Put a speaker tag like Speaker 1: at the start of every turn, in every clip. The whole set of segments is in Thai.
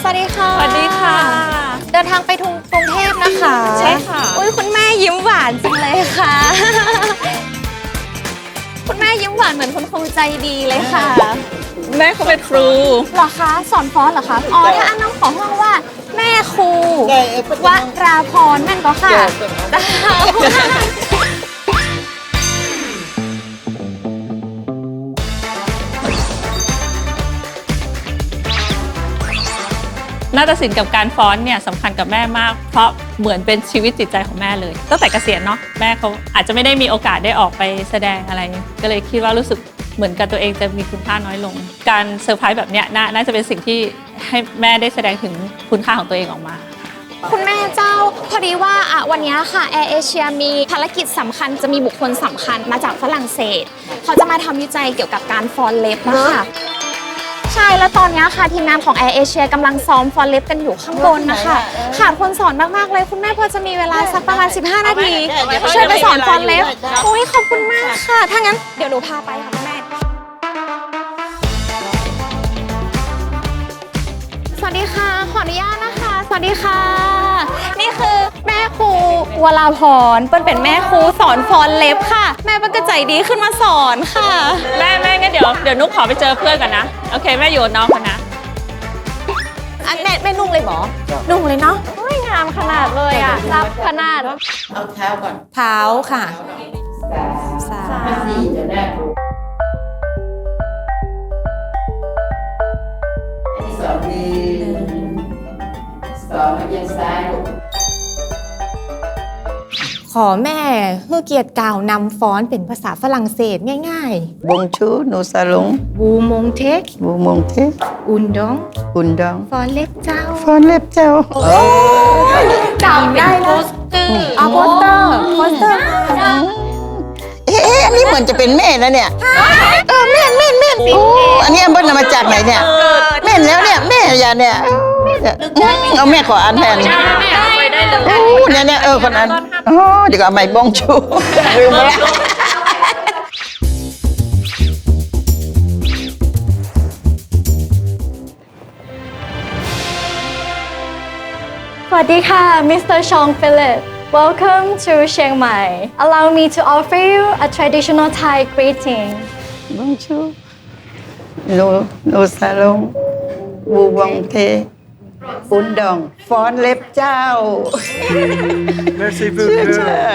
Speaker 1: วัสดีค่ะ
Speaker 2: สวัสดีค่ะ
Speaker 1: เดินทางไปกรุงเทพนะคะ
Speaker 2: ใช่ค่ะ
Speaker 1: อุ้ยคุณแม่ยิ้มหวานจังเลยค่ะคุณแม่ยิ้มหวานเหมือนคุณครูใจดีเลยค่ะ
Speaker 2: แม่เขาเป็นครู
Speaker 1: เหรอคะสอนฟ้อนเหรอคะอ๋อถ้าอันน้องขอห้องว่าแม่ครูวราพรแม่นก็ค่ะ
Speaker 2: นาฏศิลป์กับการฟ้อนเนี่ยสำคัญกับแม่มากเพราะเหมือนเป็นชีวิตจิตใจของแม่เลยตั้งแต่เกษียณเนาะแม่เขาอาจจะไม่ได้มีโอกาสได้ออกไปแสดงอะไรก็เลยคิดว่ารู้สึกเหมือนกับตัวเองจะมีคุณค่าน้อยลงการเซอร์ไพรส์แบบเนี้ยน่าจะเป็นสิ่งที่ให้แม่ได้แสดงถึงคุณค่าของตัวเองออกมา
Speaker 1: คุณแม่เจ้าพอดีว่าวันนี้ค่ะแอร์เอเชียมีภารกิจสำคัญจะมีบุคคลสำคัญมาจากฝรั่งเศสเขาจะมาทำวิจัยเกี่ยวกับการฟ้อนเล็บนะคะใช่แล้วตอนนี้ค่ะทีมงานของแอร์เอเชียกำลังซ้อมฟ้อนเล็บกันอยู่ข้างบนนะคะขาดคนสอนมากๆเลยคุณแม่พอจะมีเวลาสักประมาณ15 นาทีช่วยไปสอนฟ้อนเล็บโอ้ยขอบคุณมากค่ะถ้างั้นเดี๋ยวหนูพาไปค่ะคุณแม่สวัสดีค่ะขออนุญาตนะคะสวัสดีค่ะนี่คือแม่ครูวราพรเปิ้ลเป็นแม่ครูสอนฟ้อนเล็บค่ะแม่เปิ้ลก็ใจดีขึ้นมาสอนค่ะ
Speaker 2: แม่งั้นเดี๋ยวนุ๊กขอไปเจอเพื่อนก่อนนะโอเคแม่อยู่กับน้องกันนะ
Speaker 1: อันแม่นุ่งเลยหมอนุ่งเลยเนาะงามขนาดเลยอ่ะรับขนาด
Speaker 3: เอาเท้าก่อน
Speaker 1: เท้าค่ะ
Speaker 3: 4จะได้2 ดี2เอียงซ้าย
Speaker 1: ขอแม่ให้เกียรติกล่าวนำฟ้อนเป็นภาษาฝรั่งเศสง่าย
Speaker 3: ๆบงชูโนซาลง
Speaker 1: บูมงเทคอุนดองฟ้อนเล็บเจ้า
Speaker 3: ฟ้อนเล็บเจ้า
Speaker 1: จำได้แล้วโปสเตอร์
Speaker 3: อันนี้เหมือนจะเป็นแม่นะเนี่ยแม่โอ้อันนี้เบิ้ลมาจากไหนเนี่ยแม่แล้วเนี่ยแม่ยาเนี่ยเอาแม่ขออ่านแทนเนี่ยคนนั้นเดี๋ยวเอาไม้บงชูลืมไปแล้ว
Speaker 4: สวัสดีค่ะ Mr. Chong Philip. Welcome to Chiang Mai. Allow me to offer you a traditional Thai greeting.
Speaker 3: บงชูโนซาลงบูวงเทอุนดองฟ้อนเล็บเจ้า
Speaker 5: Merci beaucoup.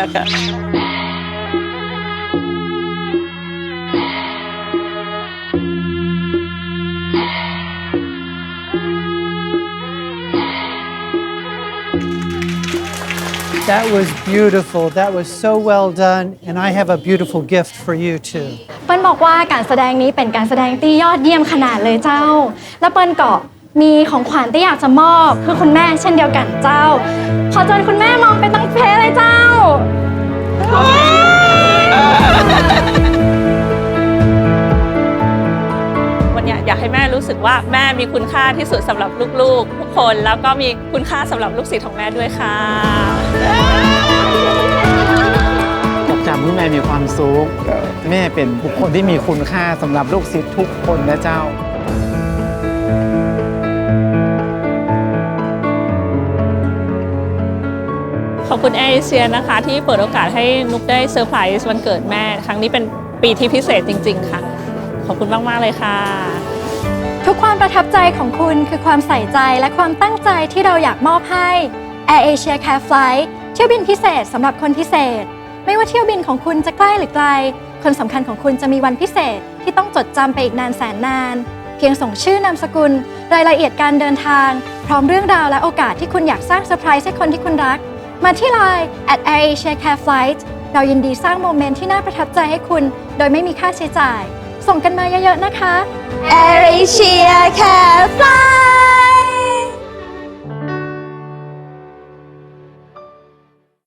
Speaker 5: That was beautiful. That was so well done. And I have a beautiful gift for you too.
Speaker 4: เปิ้ลบอกว่าการแสดงนี้เป็นการแสดงที่ยอดเยี่ยมขนาดเลยเจ้า และเปิ้ลก็มีของขวัญที่อยากจะมอบเพื่อคุณแม่เช่นเดียวกันเจ้า ขอเชิญคุณแม่มองไปตั้งเพลเลยเจ้า
Speaker 2: วันนี้อยากให้แม่รู้สึกว่าแม่มีคุณค่าที่สุดสำหรับลูกๆทุกคนแล้วก็มีคุณค่าสำหรับลูกศิษย์ของแม่ด้วยค่ะ
Speaker 5: จำที่แม่มีความสุขแม่เป็นบุคคลที่มีคุณค่าสำหรับลูกศิษย์ทุกคนนะเจ้า
Speaker 2: ขอบคุณแอร์เอเชียนะคะที่เปิดโอกาสให้นุ๊กได้เซอร์ไพรส์วันเกิดแม่ครั้งนี้เป็นปีที่พิเศษจริงๆค่ะขอบคุณมากๆเลยค่ะ
Speaker 4: ทุกความประทับใจของคุณคือความใส่ใจและความตั้งใจที่เราอยากมอบให้ Air Asia Care Flight เที่ยวบินพิเศษสำหรับคนพิเศษไม่ว่าเที่ยวบินของคุณจะใกล้หรือไกลคนสำคัญของคุณจะมีวันพิเศษที่ต้องจดจำไปอีกนานแสนนานเพียงส่งชื่อนามสกุลรายละเอียดการเดินทางพร้อมเรื่องราวและโอกาสที่คุณอยากสร้างเซอร์ไพรส์ให้คนที่คุณรักมาที่ Line @AirAsiaCareFlight เรายินดีสร้างโมเมนต์ที่น่าประทับใจให้คุณโดยไม่มีค่าใช้จ่ายส่งกันมาเยอะๆนะคะ
Speaker 1: Air Asia Care Flight